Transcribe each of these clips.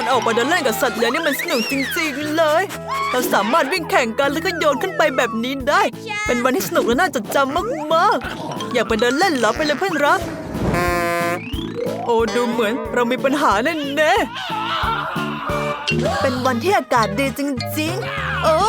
การออกมาเดินเล่นกับสัตว์เลี้ยงนี่มันสนุกจริงๆเลยเราสามารถวิ่งแข่งกันแล้วก็โยนขึ้นไปแบบนี้ได้เป็นวันที่สนุกและน่าจดจำมากๆอยากไปเดินเล่นเหรอไปเลยเพื่อนรักโอ้ดูเหมือนเรามีปัญหาแน่ๆเป็นวันที่อากาศดีจริงๆโอ้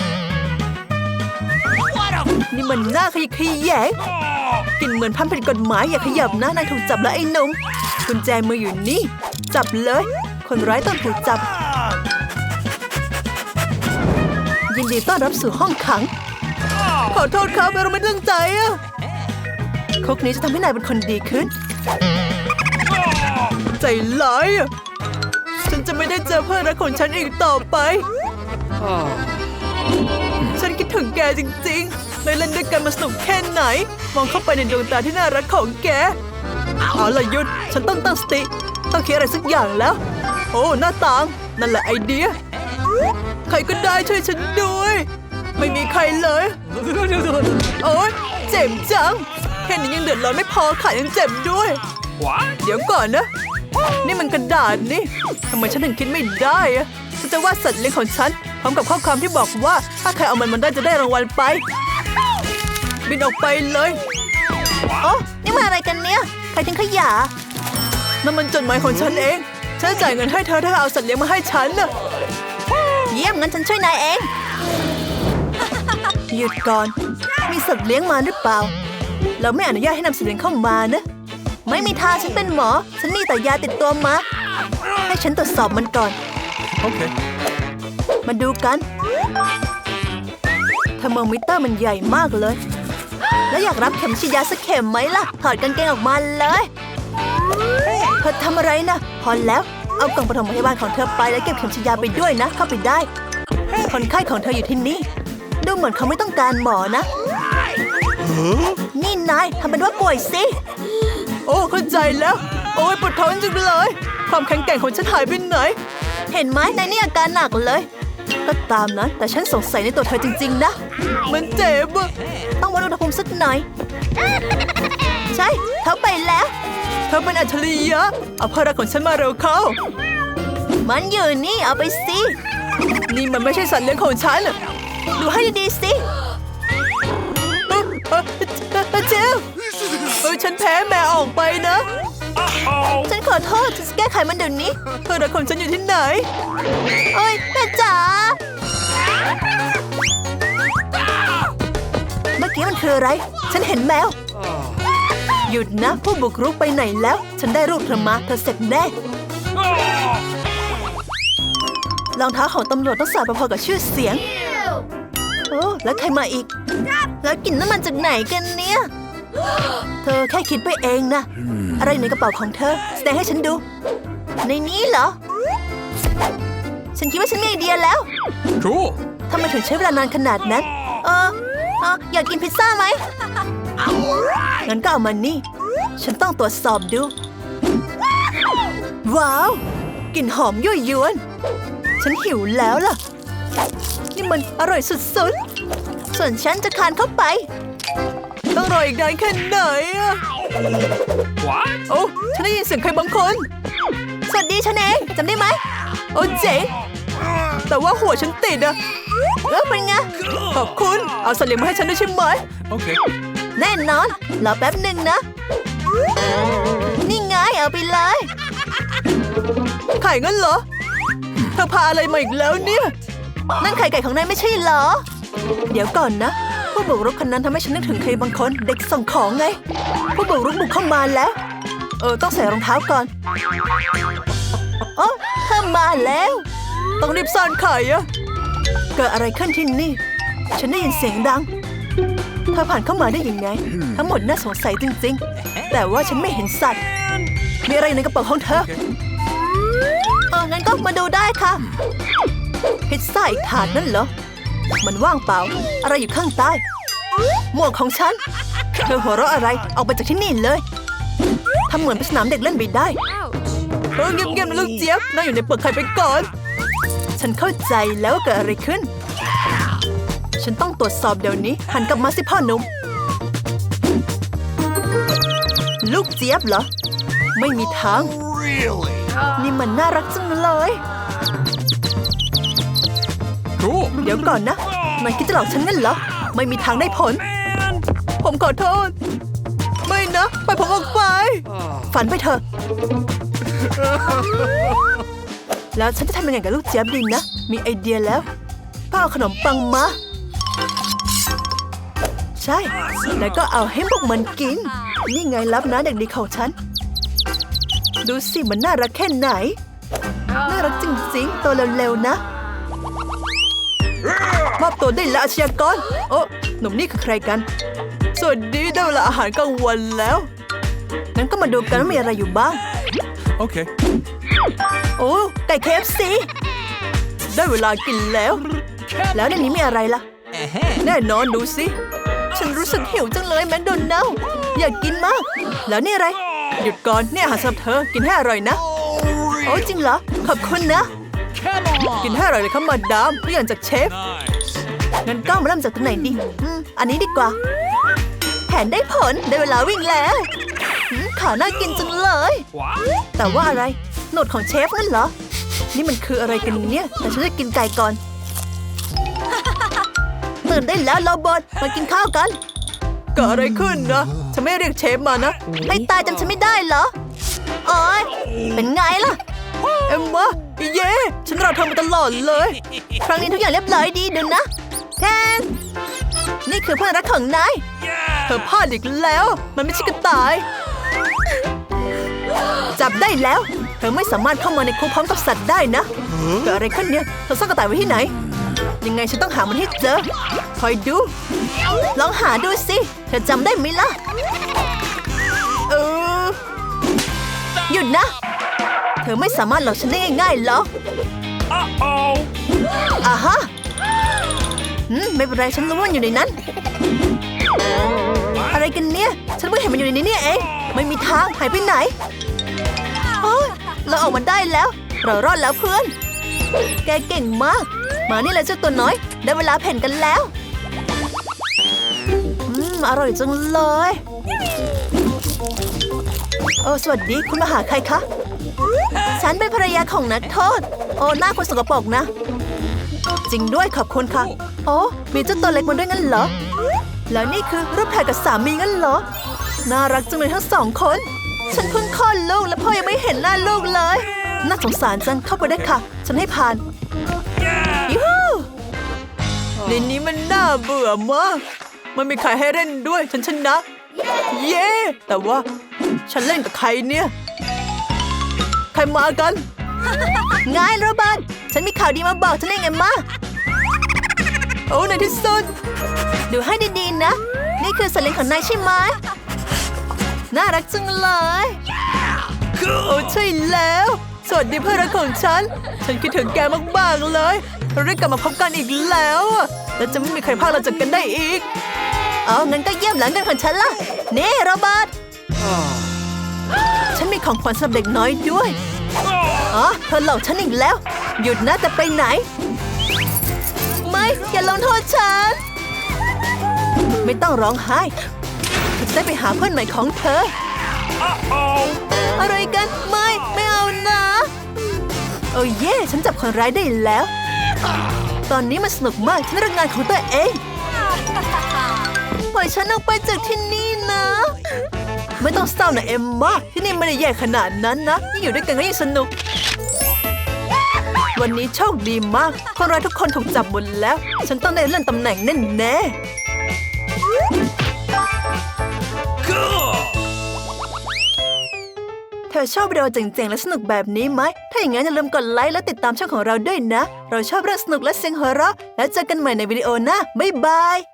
นี่มันน่าขยแยงกินเหมือนพันผิดกฎหมายอย่าขยับนะนายถูกจับแล้วไอ้หนุ่มกุญแจมืออยู่นี่จับเลยคนร้ายต้องถูกจับยินดีต้อนรับสู่ห้องขังขอโทษครับเราไม่ตั้งใจอะคุกนี้จะทำให้นายเป็นคนดีขึ้นใจร้ายอะฉันจะไม่ได้เจอเพื่อนรักของฉันอีกต่อไปฉันคิดถึงแกจริงๆเลยเล่นด้วยกันมาสนุกแค่ไหนมองเข้าไปในดวงตาที่น่ารักของแกเอาล่ะหยุดฉันต้องตั้งสติต้องคิดอะไรสักอย่างแล้วโอ้หน้าต่างนั่นแหละไอเดียใครก็ได้ช่วยฉันด้วยไม่มีใครเลยโอ๊ยเจ็บจังแค่นี้ยังเดือดร้อนไม่พอขายังเจ็บด้วยเดี๋ยวก่อนนะนี่มันกระดาษนี่ทำไมฉันถึงคิดไม่ได้อะฉันจะวาดสัตว์เลี้ยงของฉันพร้อมกับข้อความที่บอกว่าถ้าใครเอามันได้จะได้รางวัลไปบินออกไปเลยโอ้นี่มันอะไรกันเนี่ยใครทิ้งขยะนั่นมันจดหมายของฉันเองฉันจ่ายเงินให้เธอถ้าเอาสัตว์เลี้ยงมาให้ฉันน่ะเยี่ยมงั้นฉันช่วยนายเองหยุดก่อนมีสัตว์เลี้ยงมาหรือเปล่าเราไม่อนุญาตให้นำสัตว์เลี้ยงเข้ามานะไม่มีทางฉันเป็นหมอฉันมีแต่ยาติดตัวมาให้ฉันตรวจสอบมันก่อนโอเคมาดูกันเทอร์โมมิเตอร์มันใหญ่มากเลยแล้วอยากรับเข็มฉีดยาสักเข็มไหมล่ะถอดกางเกงออกมาเลยเธอทำอะไรนะพอแล้วเอากล่องปฐมพยาบาลของเธอไปแล้วเก็บเข็มฉีดยาไปด้วยนะเข้าไปได้คนไข้ของเธออยู่ที่นี่ดูเหมือนเขาไม่ต้องการหมอนะนี่นายทำเป็นว่าป่วยสิโอ้เข้าใจแล้วโอ้ยปวดท้องจังเลยความแข็งแกร่งของฉันหายไปไหนเห็นไหมนายนี่อาการหนักเลยก็ตามนะแต่ฉันสงสัยในตัวเธอจริงๆนะมันเจ็บต้องวัดอุณหภูมิสักหน่อยใช่เธอไปแล้วเธอเป็นอัจฉริยะเอาภาระของฉันมาเร็วเข้ามันอยู่นี่เอาไปสินี่มันไม่ใช่สัตว์เลี้ยงของฉันดูให้ดีๆสิเจ้าฉันแพ้แม่ออกไปนะฉันขอโทษฉันจะแก้ไขมันเดี๋ยวนี้ภาระของฉันอยู่ที่ไหนเอ้ยแม่จ๋าเมื่อกี้มันคืออะไรฉันเห็นแมวหยุดนะผู้บุกรุกไปไหนแล้วฉันได้รูปเธอมาเธอเสร็จแน่รองเท้าของตำรวจต้องสะอาดพอๆกับชื่อเสียงโอ้แล้วใครมาอีกแล้วกลิ่นน้ำมันจากไหนกันเนี่ยเธอแค่คิดไปเองนะอะไรในกระเป๋าของเธอแสดงให้ฉันดูในนี้เหรอฉันคิดว่าฉันมีไอเดียแล้วทำไมถึงใช้เวลานานขนาดนั้นอยากกินพิซซ่าไหมงั้นก็เอามานี่ฉันต้องตรวจสอบดูว้าวกลิ่นหอมยั่วยวนฉันหิวแล้วล่ะนี่มันอร่อยสุดๆส่วนฉันจะคานเข้าไปต้องรออีกนานแค่ไหนอะโอ้ฉันได้ยินเสียงใครบางคนสวัสดีฉันเองจำได้ไหมโอ้เจ๋งแต่ว่าหัวฉันติดอะเป็นไงขอบคุณเอาสัตว์เลี้ยงมาให้ฉันด้วยใช่ไหมโอเคแน่นอนรอแป๊บหนึ่งนะนี่ไงเอาไปเลยไข่งั้นเหรอเธอพาอะไรมาอีกแล้วเนี่ยนั่นไข่ไก่ของนายไม่ใช่เหรอเดี๋ยวก่อนนะผู้บุกรุกคนนั้นทำให้ฉันนึกถึงใครบางคนเด็กส่งของไงผู้บุกรุกบุกเข้ามาแล้วต้องใส่รองเท้าก่อนเธอมาแล้วต้องรีบซ่อนไข่อะเกิดอะไรขึ้นที่นี่ฉันได้ยินเสียงดังเธอผ่านเข้ามาได้ยังไงทั้งหมดน่าสงสัยจริงๆแต่ว่าฉันไม่เห็นสัตว์มีอะไรในกระเป๋าของเธองั้นก็มาดูได้ค่ะพิซซ่าอีกถาดนั่นเหรอมันว่างเปล่าอะไรอยู่ข้างใต้หมวกของฉันเธอหัวเราะอะไรออกไปจากที่นี่เลยทำเหมือนเป็นสนามเด็กเล่นไปได้เงียบๆนะลูกเจี๊ยบน่าอยู่ในเปลือกไข่ไปก่อนฉันเข้าใจแล้วว่าเกิดอะไรขึ้นฉันต้องตรวจสอบเดี๋ยวนี้หันกลับมาสิพ่อหนุ่มลูกเจี๊ยบเหรอไม่มีทางนี่มันน่ารักจังเลย Cool. เดี๋ยวก่อนนะนายคิดจะหลอกฉันงั้นเหรอ ไม่มีทางได้ผล ผมขอโทษ ไม่นะปล่อยผมออกไป ฝันไปเถอะ แล้วฉันจะทำยังไงกับลูกเจี๊ยบดีนะ มีไอเดียแล้วป้าเอาขนมปังมา ใช่ แล้วก็เอาให้พวกมันกิน นี่ไงรับนะเด็กดีของฉัน ดูสิมันน่ารักแค่ไหน น่ารักจริงๆโตเร็วๆนะ มอบตัวได้แล้วอาชญากร โอ้หนุ่มนี่คือใครกัน สวัสดีได้เวลาอาหารกลางวันแล้วงั้นก็มาดูกันว่ามีอะไรอยู่บ้าง Okay. โอ้ไก่ KFC ได้เวลากินแล้ว แล้วในนี้มีอะไรล่ะ แน่นอนดูสิ ฉันรู้สึกหิวจังเลยแมคโดนัลด์อยากกินมาก แล้วนี่อะไร หยุดก่อนเนี่ยอาหารสำหรับเธอกินให้อร่อยนะ โอ้จริงเหรอ ขอบคุณนะ กินให้อร่อยเลยครับมาดามทุกอย่างจากเชฟ Nice. งั้นก็มาเริ่มจากตรงไหนดีอันนี้ดีกว่า แผนได้ผลได้เวลาวิ่งแล้วขาน่ากินจังเลย What? แต่ว่าอะไรโหนดของเชฟนั่นเหรอ นี่มันคืออะไรกันเนี่ย แต่ฉันจะกินไก่ก่อน ตื่นได้แล้วโรบอทมากินข้าวกันเกิดอะไรขึ้นนะฉันไม่เรียกเชฟมานะให้ตายจำฉันไม่ได้เหรอโอ๊ยเป็นไงล่ะ เอ็มวะเย่ฉันรอเธอมาตลอดเลย ครั้งนี้ทุกอย่างเรียบร้อยดีดูนะแทนนี่คือเพื่อนรักของนาย เธอพลาดอีกแล้ว มันไม่ใช่กระต่าย จับได้แล้ว เธอไม่สามารถเข้ามาในคุกพร้อมกับสัตว์ได้นะเกิดอะไรขึ้นเนี่ย เธอซ่อนกระต่ายไว้ที่ไหน ยังไงฉันต้องหามันให้เจอ คอยดู ลองหาดูสิ เธอจำได้ไหมล่ะ หยุดนะ เธอไม่สามารถหลอกฉันได้ง่ายๆหรอก Uh-oh. อ่าฮะไม่เป็นไรฉันรู้ว่ามันอยู่ในนั้น อะไรกันเนี่ย ฉันเพิ่งเห็นมันอยู่ในนี้เนี่ยเอง ไม่มีทางหายไปไหนโอ้ยเราออกมาได้แล้ว เรารอดแล้วเพื่อน แกเก่งมาก มานี่เลยเจ้าตัวน้อย ได้เวลาแผ่นกันแล้ว อร่อยจังเลยสวัสดีคุณมาหาใครคะ ฉันเป็นภรรยาของนักโทษ โอ้หน้าคนสกปรกนะ จริงด้วยขอบคุณค่ะโอ้มีเจ้าตัวเล็กมาด้วยงั้นเหรอ แล้วนี่คือรูปถ่ายกับสามีงั้นเหรอ น่ารักจังเลยทั้งสองคน ฉันเพิ่งคลอดลูกและพ่อยังไม่เห็นหน้าลูกเลย น่าสงสารจังเข้าไปได้ค่ะ ฉันให้ผ่านยูฮูในนี้มันน่าเบื่อมากมันมีใครให้เล่นด้วยฉันชนะ เย้แต่ว่าฉันเล่นกับใครเนี่ยใครมากันไงโรเบิร์ตฉันมีข่าวดีมาบอกฉันเองไงมาโอ้ในที่สุดดูให้ดีๆนะ นี่คือสัตว์เลี้ยงของนายใช่ไหมน่ารักจังเลยโอ้ใช่แล้วสวัสดีเพื่อนรักของฉันคิดถึงแกมากๆเลยเราได้กลับมาพบกันอีกแล้วและจะไม่มีใครพลาดเราจากกันได้อีกเอางั้นก็เยี่ยมหลังกันของฉันละนี่โรเบิร์ตฉันมีของขวัญสำหรับเด็กน้อยด้วยเธอหลอกฉันอีกแล้วหยุดนะแต่ไปไหนไม่อย่าลงโทษฉันไม่ต้องร้องไห้เธอจะได้ไปหาเพื่อนใหม่ของเธอ Uh-oh. อะไรกันไม่เอานะโอ้เย่ฉันจับคนร้ายได้แล้ว ตอนนี้มันสนุกมากฉันรักงานของตัวเองปล่อยฉันออกไปจากที่นี่นะไม่ต้องเศร้านะเอ็มมาที่นี่ไม่ได้แย่ขนาดนั้นนะยิ่งอยู่ด้วยกันก็ยิ่งสนุกวันนี้โชคดีมากคนร้ายทุกคนถูกจับหมดแล้วฉันต้องได้เลื่อนตำแหน่งแน่ๆ Cool. เธอชอบวิดีโอเจ๋งๆและสนุกแบบนี้ไหมถ้าอย่างนั้นอย่าลืมกดไลค์และติดตามช่องของเราด้วยนะเราชอบเรื่องสนุกและเสียงหัวเราะแล้วเจอกันใหม่ในวิดีโอหน้าบ๊ายบาย